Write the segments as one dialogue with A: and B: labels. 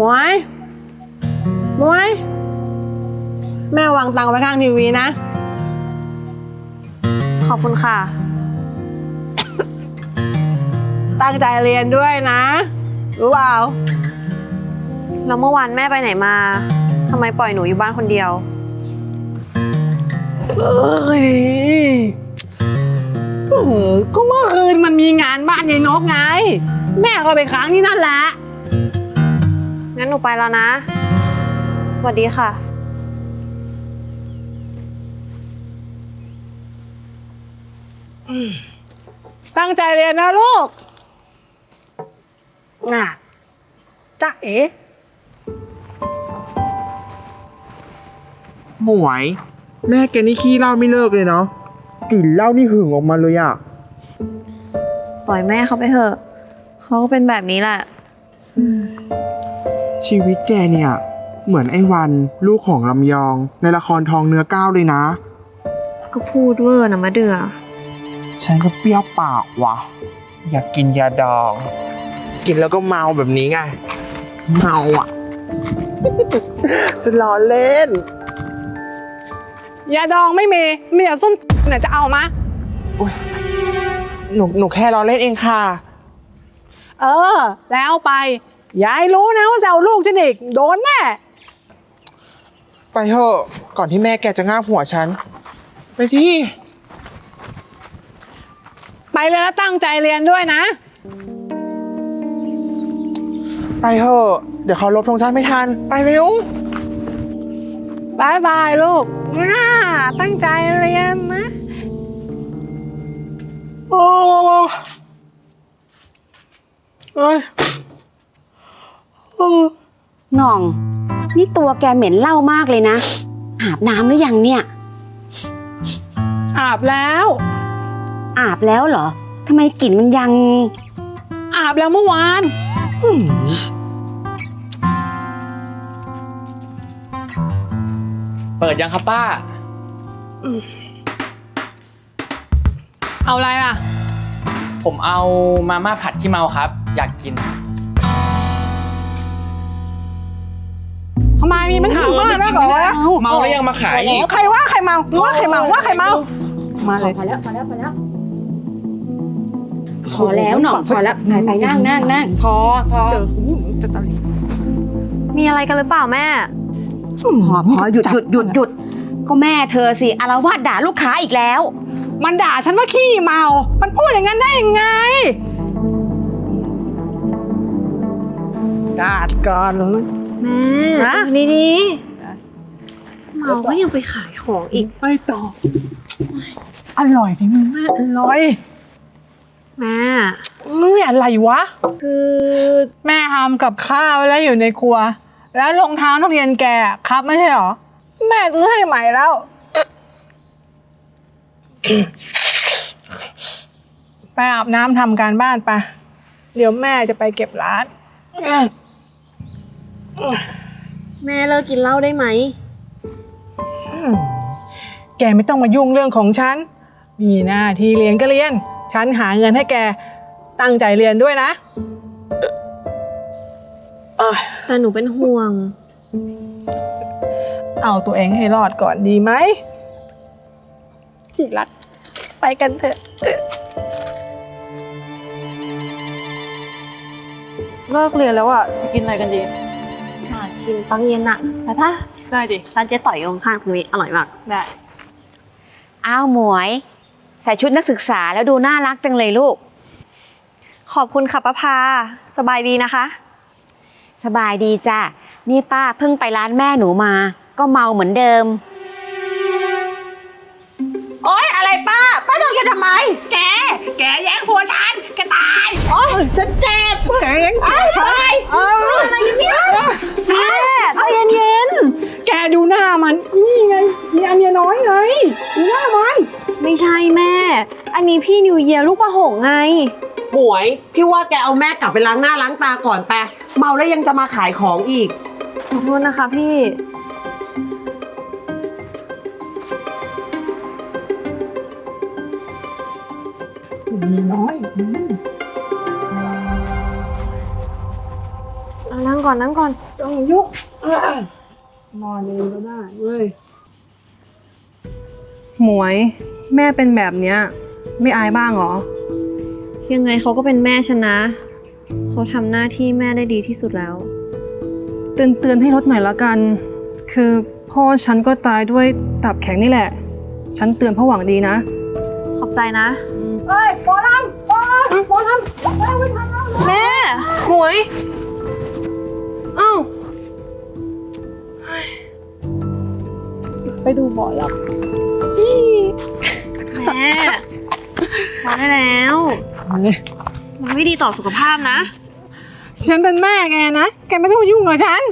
A: มวยแม่วางตังค์ไว้ข้างทีวีนะ
B: ขอบคุณค่ะ
A: ตั้งใจเรียนด้วยนะรู้เปล่า
B: แล้วเมื่อวานแม่ไปไหนมาทำไมปล่อยหนูอยู่บ้านคนเดียว
A: ก็เมื่อคืนมันมีงานบ้านยายนกไงแม่ก็ไปค้างที่นั่นแหละ
B: งั้นหนูไปแล้วนะสวัสดีค่ะ
A: ตั้งใจเรียนนะลูกน่ะจ๊ะเอ๋
C: หมวยแม่แกนี่ขี้เหล้าไม่เลิกเลยเนาะกลิ่นเหล้านี่หึงออกมาเลยอะ
B: ปล่อยแม่เขาไปเถอะเขาก็เป็นแบบนี้แหละ
C: ชีวิตแกเนี่ยเหมือนไอ้วันลูกของลำยองในละครทองเนื้อก้าวเลยนะ
B: ก็พูดเวอร์นะมะเดือ
C: ฉันก็เปรี้ยวปากว่ะอยากกินยาดองกินแล้วก็เมาแบบนี้ไงเมาอ่ะ ฉันล้อเล่น
A: ยาดองไม่มีแต่ส้นเนี่ยจะเอามา
C: หนูแค่ล้อเล่นเองค่ะ
A: แล้วไปยายรู้นะว่าจะเอาลูกฉันอีกโดนแน่
C: ไปเถอะก่อนที่แม่แกจะง่าบหัวฉันไปที่
A: ไปเลยแล้วตั้งใจเรียนด้วยนะ
C: ไปเถอะเดี๋ยวเขาลบธงชาติไม่ทันไปเร็ว
A: บายบายลูกตั้งใจเรียนนะโอ้ย
D: หน่องนี่ตัวแกเหม็นเหล้ามากเลยนะอาบน้ำหรือยังเนี่ย
A: อาบแล้ว
D: เหรอทำไมกลิ่นมันยัง
A: อาบแล้วเมื่อวาน
E: เปิดยังครับป้า
A: เอาอะไรล่ะ
E: ผมเอามาม่าผัดขี้เมาครับอยากกิน
A: ทำไมมีปัญหามากนะเหรอ
E: เมาแล้วยังมาขายอีก
A: ใครว่าใครเมาว่าใครเมามาเลย
D: พอแล้วพอแล้วหน่องพอแล้วไปนั่งพอ
A: เจอกูจะตะลิ
B: มีอะไรกันหรือเปล่าแม่
D: พอหยุดก็แม่เธอสิอาละวาดด่าลูกค้าอีกแล้ว
A: มันด่าฉันว่าขี้เมามันพูดอย่างนั้นได้ยังไงสาดก่อน
B: แม่นี่เมาก็ยังไปขายของอีก
A: ไปต่ออร่อยที่มึงแม่อร่อย
B: แม่
A: อะไรวะ
B: คือ
A: แม่ทำกับข้าวแล้วอยู่ในครัวแล้วรองเท้านักเรียนแกครับไม่ใช่หรอแม่ซื้อให้ใหม่แล้วไปอาบน้ำทำการบ้านไปเดี๋ยวแม่จะไปเก็บร้าน
B: แม่เลิกกินเหล้าได้ไหม
A: แกไม่ต้องมายุ่งเรื่องของฉันมีหน้าที่เรียนก็เรียนฉันหาเงินให้แกตั้งใจเรียนด้วยนะ
B: แต่หนูเป็นห่วง
A: เอาตัวเองให้รอดก่อนดีไหมที่รักไปกันเถอะ
B: เลิกเรียนแล้วอ่ะกินอะไรกันดีกินปังเย็นอ่ะไปป่ะ
A: ได้ดิ
B: ร้านเจ๊ต่อยตรงข้างตรงนี้อร่อยมาก
A: ได้
D: อ้าวหมวยใส่ชุดนักศึกษาแล้วดูน่ารักจังเลยลูก
B: ขอบคุณค่ะป้าพาสบายดีนะคะ
D: สบายดีจ้ะนี่ป้าเพิ่งไปร้านแม่หนูมาก็เมาเหมือนเดิม
A: โอ๊ยอะไรป้าทำฉันทำไมแกแย่งผัวฉันแกตายโอ๊ยฉันเจ็บแกแย่งผัวฉัน
B: อะไรเนี่ยแม่ใจเย็น
A: แกดูหน้ามันนี่ไงเมียน้อยไงดูหน้ามัน
B: ไม่ใช่แม่อันนี้พี่นิวเยียร์ลูกประหงไง
F: หมวยพี่ว่าแกเอาแม่กลับไปล้างหน้าล้างตาก่อนไปเมาแล้วยังจะมาขายของอีก
B: ขอโทษนะคะพี่
A: มีน้อย
B: นั่งก่อนนั่งก่อน
F: ต้องยุกนอนเองก็ได้เว้ย
G: หมวยแม่เป็นแบบเนี้ยไม่อายบ้างเหรอ
B: ยังไงเขาก็เป็นแม่ฉันนะ เขาทำหน้าที่แม่ได้ดีที่สุดแล้ว
G: เตือนให้ลดหน่อยละกัน คือพ่อฉันก็ตายด้วยตับแข็งนี่แหละ ฉันเตือนเพราะหวังดีนะ
B: ขอบใจนะ
F: เฮ้ยหมอลำหมอลำ
B: แม่
G: หมวย เอ้า
F: ไปดูหมอล
B: แม่พอได้แล้วมันไม่ดีต่อสุขภาพนะ
G: ฉันเป็นแม่แกนะ แกไม่ต้องมายุ่งกับฉัน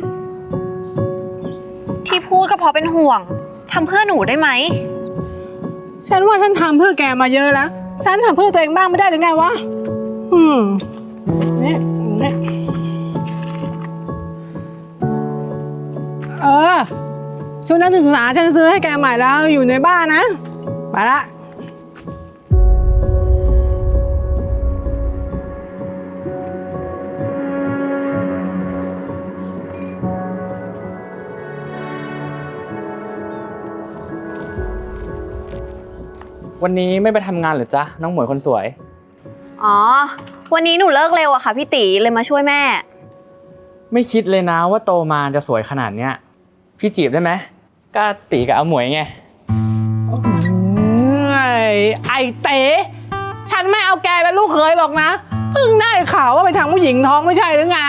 B: ที่พูดก็เพราะเป็นห่วงทำเพื่อหนูได้ไหม
G: ฉันว่าฉันทำเพื่อแกมาเยอะแล้ว ฉันทำเพื่อตัวเองบ้างไม่ได้หรือไงวะ เนี่ยชุดนักศึกษาฉันซื้อให้แกใหม่แล้วอยู่ในบ้านนะ ไปละ
E: วันนี้ไม่ไปทำงานเหรือจ๊ะน้องหมวยคนสวย
B: อ๋อ วันนี้หนูเลิกเร็วอะค่ะพี่ตีเลยมาช่วยแม่
E: ไม่คิดเลยนะว่าโตมาจะสวยขนาดเนี้ยพี่จีบได้ไหมก็ตีกับอาหมวยไง
G: ไอ้เต๋ฉันไม่เอาแกเป็นลูกเขยหรอกนะ เพิ่งได้ข่าวว่าไปทางผู้หญิงท้องไม่ใช่หรือไง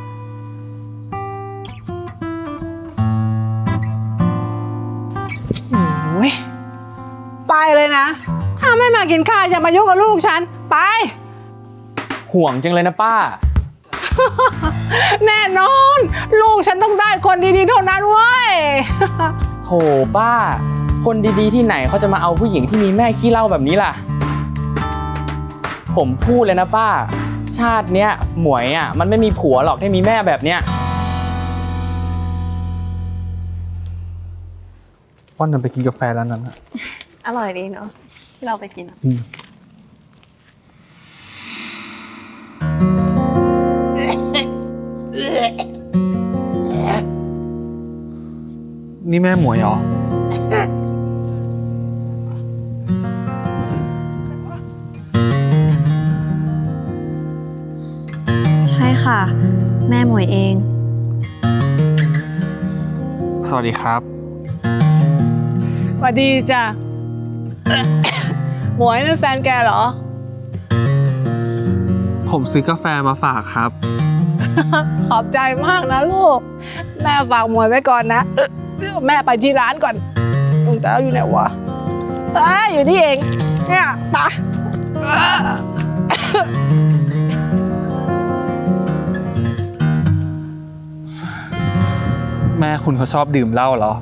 G: โอ้ยไปเลยนะ ถ้าไม่มากินข้าวอย่ามายุ่งกับลูกฉัน ไป
E: ห่วงจังเลยนะป้า
G: แน่นอน ลูกฉันต้องได้คนดีๆเท่านั้นเว้ย
E: โหป้า คนดีๆที่ไหนเขาจะมาเอาผู้หญิงที่มีแม่ขี้เหล้าแบบนี้ล่ะ ผมพูดเลยนะป้า ชาติเนี้ยหมวยอ่ะมันไม่มีผัวหรอกที่มีแม่แบบเนี้ย
H: ว่านนไปกินกาแฟร้านนั้นอะ
B: อร่อยดีเนาะที่เราไปกิน
H: นี่แม่หมวยเหรอ
B: ใช่ค่ะ แม่หมวยเอง
H: สวัสดีครับ
G: สวัสดีจ้ะ หมวยเป็นแฟนแกเหรอ
H: ผมซื้อกาแฟมาฝากครับ
G: ขอบใจมากนะลูก แม่ฝากหมวยไว้ก่อนนะ แม่ไปที่ร้านก่อนลุงแต้วอยู่ไหนวะอยู่นี่เอง เนี่ยไปะ
H: แม่คุณเขาชอบดื่มเหล้าเหรอ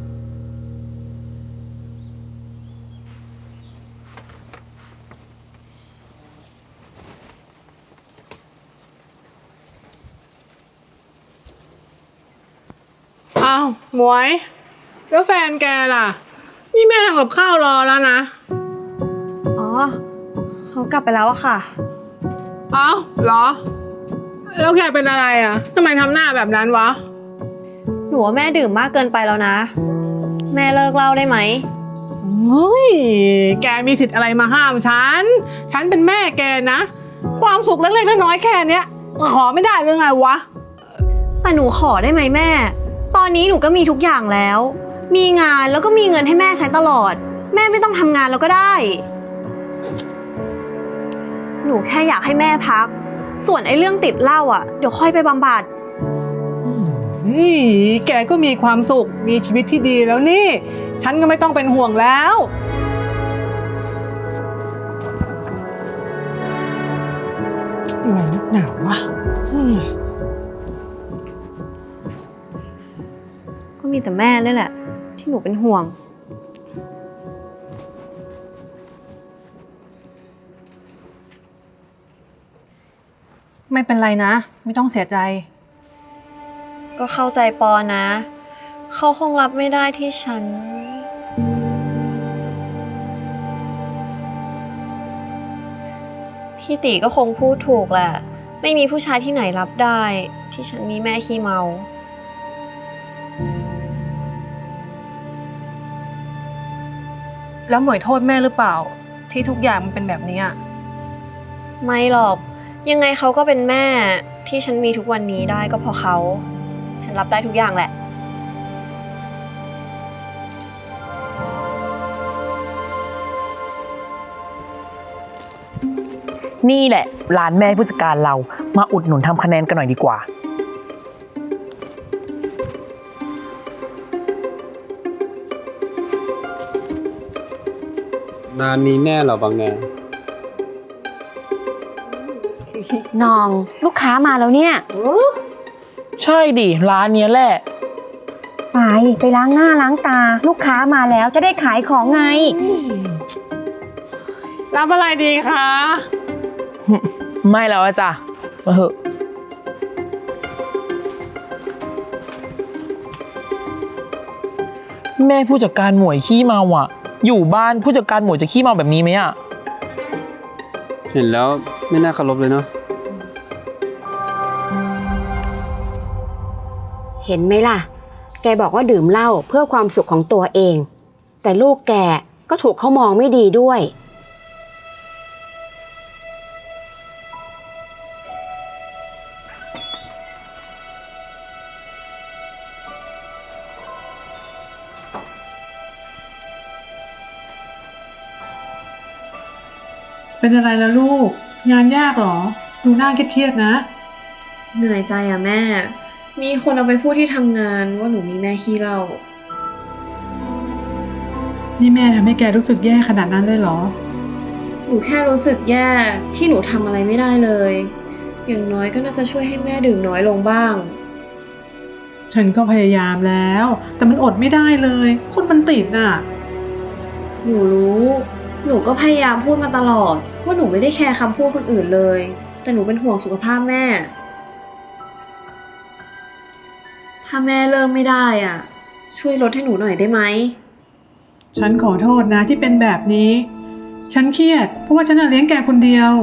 G: อ้าวหมวย แล้วแฟนแกล่ะ นี่แม่ทำกับข้าวรอแล้วนะ
B: อ๋อ เขากลับไปแล้วอะค่ะ
G: เอ้าเหรอ แล้วแกเป็นอะไรอ่ะทำไมทำหน้าแบบนั้นวะ
B: หนูว่าแม่ดื่มมากเกินไปแล้วนะ แม่เลิกเหล้าได้ไหม
G: เฮ้ย แกมีสิทธิ์อะไรมาห้ามฉัน ฉันเป็นแม่แกนะ ความสุขเล็กๆน้อยๆแค่เนี้ยขอไม่ได้หรือไงวะ
B: แต่หนูขอได้ไหมแม่ ตอนนี้หนูก็มีทุกอย่างแล้ว มีงานแล้วก็มีเงินให้แม่ใช้ตลอด แม่ไม่ต้องทำงานแล้วก็ได้ หนูแค่อยากให้แม่พัก ส่วนไอ้เรื่องติดเหล้าอ่ะ เดี๋ยวค่อยไปบำบัด
G: นี่แกก็มีความสุข มีชีวิตที่ดีแล้วนี่ ฉันก็ไม่ต้องเป็นห่วงแล้วอะไรนักหนาวะ
B: ก็มีแต่แม่นี่แหละ ที่หนูเป็นห่วง
G: ไม่เป็นไรนะ ไม่ต้องเสียใจ
B: ก็เข้าใจปอนะ เขาคงรับไม่ได้ที่ฉัน พี่ตีก็คงพูดถูกแหละ ไไม่มีผู้ชายที่ไหนรับได้ ที่ฉันมีแม่ขี้เมา
I: แล้วหมวยโทษแม่หรือเปล่า ที่ทุกอย่างมันเป็นแบบนี้อะ
B: ไม่หรอก ยังไงเขาก็เป็นแม่ที่ฉันมีทุกวันนี้ได้ก็เพราะเขา ฉันรับได้ทุกอย่างแหละ
J: นี่แหละร้านแม่ผู้จัดการเรามาอุดหนุนทำคะแนนกันหน่อยดีกว่า
H: ร้านนี้แน่เหรอบางแง
D: น้องลูกค้ามาแล้วเนี่ย
J: ใช่ดิร้านเนี้ยแหละ
D: ไปล้างหน้าล้างตา ลูกค้ามาแล้วจะได้ขายของไง
I: รับอะไรดีคะ
J: ไม่แล้วอะจ้ะมาเหอะแม่ผู้จัดการหมวยขี้เมาอ่ะ อยู่บ้านผู้จัดการหมวยจะขี้เมาแบบนี้ไหมอ่ะ
H: เห็นแล้วไม่น่าเคารพเลยเนาะ
D: เห็นไหมล่ะ แกบอกว่าดื่มเหล้าเพื่อความสุขของตัวเอง แต่ลูกแกก็ถูกเขามองไม่ดีด้วย
K: เป็นอะไรล่ะลูก งานยากเหรอ ดูหน้าเครียดๆนะ
B: เหนื่อยใจอะแม่ มีคนเอาไปพูดที่ทำงานว่าหนูมีแม่ขี้เหล้า
K: นี่แม่ทำให้แกรู้สึกแย่ขนาดนั้นเลยเหรอ
B: หนูแค่รู้สึกแย่ที่หนูทำอะไรไม่ได้เลย อย่างน้อยก็น่าจะช่วยให้แม่ดื่มน้อยลงบ้าง
K: ฉันก็พยายามแล้ว แต่มันอดไม่ได้เลย คนมันติดน่ะ
B: หนูรู้ หนูก็พยายามพูดมาตลอด ว่าหนูไม่ได้แคร์คำพูดคนอื่นเลย แต่หนูเป็นห่วงสุขภาพแม่ ถ้าแม่เลิกไม่ได้อ่ะ ช่วยลดให้หนูหน่อยได้ไหม
K: ฉันขอโทษนะที่เป็นแบบนี้ ฉันเครียดเพราะว่าฉันเลี้ยงแกคนเดียว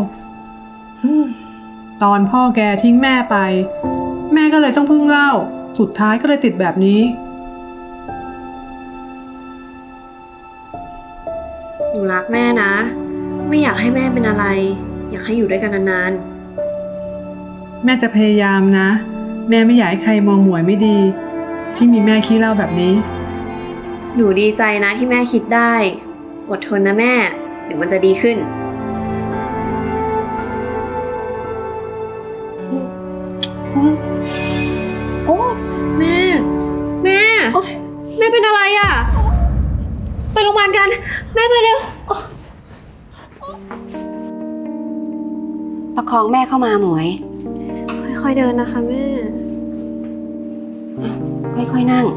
K: ตอนพ่อแกทิ้งแม่ไป แม่ก็เลยต้องพึ่งเหล้า สุดท้ายก็เลยติดแบบนี้
B: หนูรักแม่นะ ไม่อยากให้แม่เป็นอะไร อยากให้อยู่ด้วยกันนาน
K: แม่จะพยายามนะ แม่ไม่อยากให้ใครมองหมวยไม่ดี ที่มีแม่ขี้เหล้าแบบนี้
B: ๆ หนูดีใจนะที่แม่คิดได้ อดทนนะแม่ เดี๋ยวมันจะดีขึ้น โอ้แม่ แม่ แม่เป็นอะไรอ่ะ ไปโรงพยาบาลกัน แม่ไปเร็ว
D: ประคองแม่เข้ามาหมวย
B: ค่อยๆเดินนะคะแม่
D: ค่อยๆนั่ง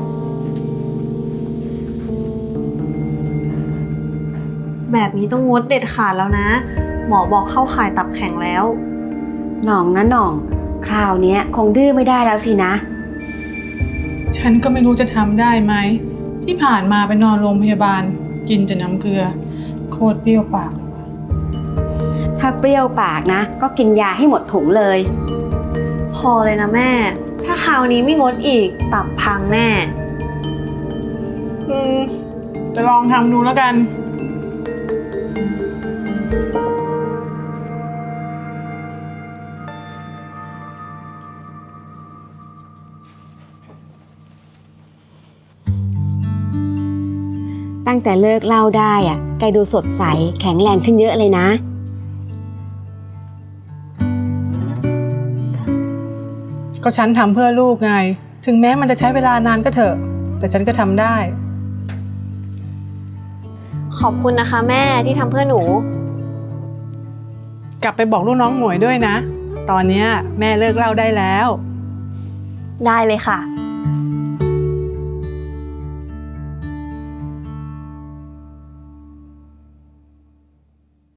B: แบบนี้ต้องงดเด็ดขาดแล้วนะ หมอบอกเข้าข่ายตับแข็งแล้ว
D: หน่องนะหน่อง คราวเนี้ยคงดื้อไม่ได้แล้วสินะ
K: ฉันก็ไม่รู้จะทำได้ไหม ที่ผ่านมาไปนอนโรงพยาบาล กินแต่น้ำเกลือ โคตรเปรี้ยวปากเลยว่ะ
D: ถ้าเปรี้ยวปากนะ ก็กินยาให้หมดถุงเลย
B: พอเลยนะแม่ ถ้าคราวนี้ไม่งดอีก ตับพังแน่
K: จะลองทำดูแล้วกัน
D: ตั้งแต่เลิกเหล้าได้อะแกดูสดใสแข็งแรงขึ้นเยอะเลยนะ
K: ก็ฉันทำเพื่อลูกไง ถึงแม้มันจะใช้เวลานานก็เถอะ แต่ฉันก็ทำได้
B: ขอบคุณนะคะแม่ที่ทำเพื่อหนู
K: กลับไปบอกลูกน้องหมวยด้วยนะ ตอนเนี้ยแม่เลิกเหล้าได้แล้ว
B: ได้เลยค่ะ